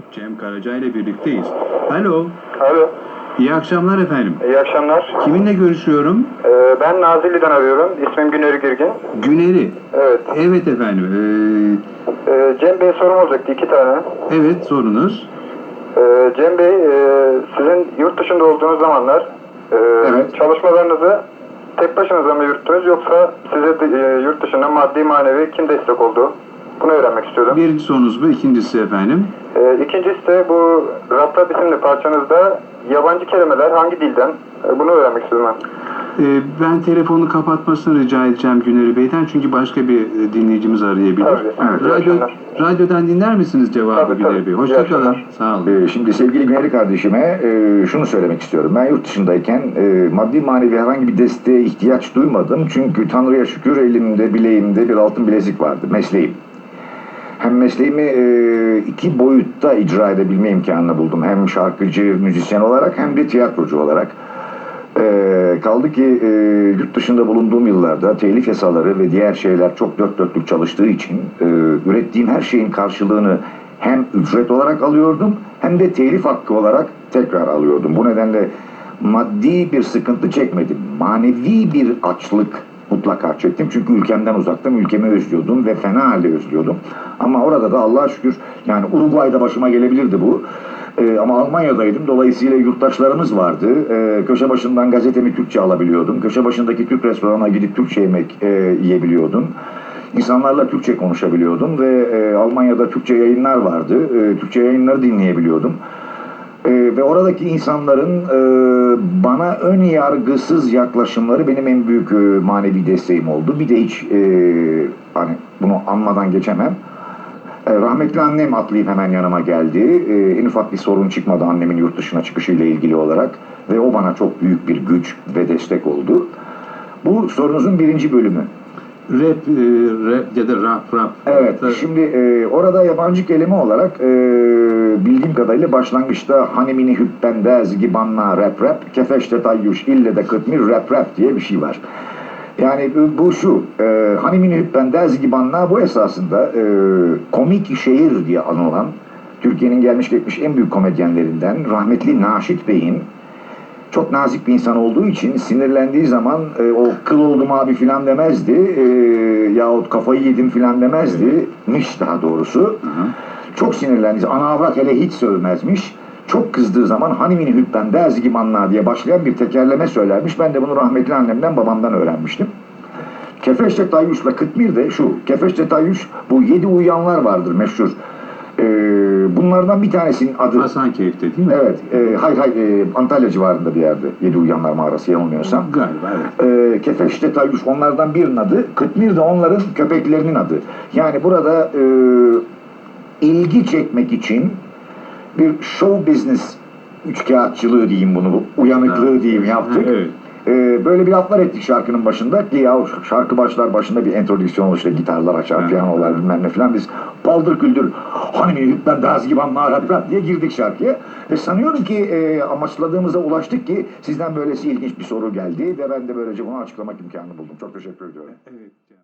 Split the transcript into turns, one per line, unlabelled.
Cem Karaca ile birlikteyiz. Alo.
Alo.
İyi akşamlar efendim.
İyi akşamlar.
Kiminle görüşüyorum?
Ben Nazilli'den arıyorum. İsmim Güneri Girgin.
Güneri.
Evet.
Evet efendim.
Cem Bey sorum olacaktı 2 tane.
Evet, sorunuz.
Cem Bey, sizin yurt dışında olduğunuz zamanlar
Evet.
çalışmalarınızı tek başınıza mı yürüttünüz yoksa size yurt dışında maddi manevi kim destek oldu? Bunu öğrenmek istiyordum.
Birinci sorunuz bu. İkincisi efendim.
İkincisi de bu Rap Rap isimli parçanızda yabancı kelimeler hangi dilden? Bunu öğrenmek istiyorum ben.
Ben telefonu kapatmasını rica edeceğim Güneri Bey'den. Çünkü başka bir dinleyicimiz arayabilir.
Tabii. Evet.
Radyodan dinler misiniz cevabı
Tabii,
Güneri
tabii.
Bey?
İyi
Hoşçakalın.
akşamlar.
Sağ olun.
Şimdi sevgili Güneri kardeşime şunu söylemek istiyorum. Ben yurt dışındayken maddi manevi herhangi bir desteğe ihtiyaç duymadım. Çünkü Tanrı'ya şükür elimde, bileğimde bir altın bilezik vardı. Mesleğim. Hem mesleğimi iki boyutta icra edebilme imkanını buldum. Hem şarkıcı, müzisyen olarak hem de tiyatrocu olarak. Kaldı ki yurt dışında bulunduğum yıllarda telif yasaları ve diğer şeyler çok dört dörtlük çalıştığı için ürettiğim her şeyin karşılığını hem ücret olarak alıyordum hem de telif hakkı olarak tekrar alıyordum. Bu nedenle maddi bir sıkıntı çekmedim. Manevi bir açlık mutlaka çektim. Çünkü ülkemden uzaktım, ülkemi özlüyordum ve fena halde özlüyordum. Ama orada da Allah'a şükür, yani Uruguay'da başıma gelebilirdi bu. Ama Almanya'daydım. Dolayısıyla yurttaşlarımız vardı. Köşe başından gazetemi Türkçe alabiliyordum. Köşe başındaki Türk restoranına gidip Türkçe yemek yiyebiliyordum. İnsanlarla Türkçe konuşabiliyordum ve Almanya'da Türkçe yayınlar vardı. Türkçe yayınları dinleyebiliyordum. Ve oradaki insanların bana ön yargısız yaklaşımları benim en büyük manevi desteğim oldu. Bir de hiç hani bunu anmadan geçemem. Rahmetli annem atlayıp hemen yanıma geldi. En ufak bir sorun çıkmadı annemin yurt dışına çıkışıyla ilgili olarak. Ve o bana çok büyük bir güç ve destek oldu. Bu sorunuzun birinci bölümü.
Rap ya da rap.
Evet, şimdi orada yabancı kelime olarak bildiğim kadarıyla başlangıçta Hanemini Hüppendez Gibanna Rap Kefeşte Tayyuş ille de Kıtmir Rap diye bir şey var. Yani bu şu, Hanemini Hüppendez Gibanna bu esasında komik şehir diye anılan Türkiye'nin gelmiş geçmiş en büyük komedyenlerinden rahmetli Naşit Bey'in çok nazik bir insan olduğu için sinirlendiği zaman o kıl oldum abi filan demezdi yahut kafayı yedim filan demezdi miş daha doğrusu. Çok sinirlendiği ana avrat hele hiç sövmezmiş. Çok kızdığı zaman Hanemini Hüppendez Gibanna diye başlayan bir tekerleme söylermiş. Ben de bunu rahmetli annemden babamdan öğrenmiştim. Kefeşte Tayyuş'la Kıtmir de şu. Kefeşte Tayyuş bu 7 uyuyanlar vardır meşhur. Bunlardan bir tanesinin adı...
Hasankeyf'te değil mi?
Evet. Hayır. Antalya civarında bir yerde. 7 Uyanlar Mağarası yanılmıyorsam.
Galiba evet.
Kefeşte Tayyuş onlardan birinin adı. Kıtmir de onların köpeklerinin adı. Yani burada ilgi çekmek için bir show business üçkağıtçılığı diyeyim bunu. Uyanıklığı diyeyim yaptık.
Evet.
Böyle bir laflar ettik şarkının başında ki ya şarkı başlar başında bir introdüksiyon olur işte gitarlar açar, piyanolar bilmem ne filan biz paldır küldür Hanemini Hüppendez Gibanna Rap diye girdik şarkıya. Sanıyorum ki amaçladığımıza ulaştık ki sizden böylesi ilginç bir soru geldi ve ben de böylece bunu açıklamak imkanı buldum. Çok teşekkür ediyorum.
Evet.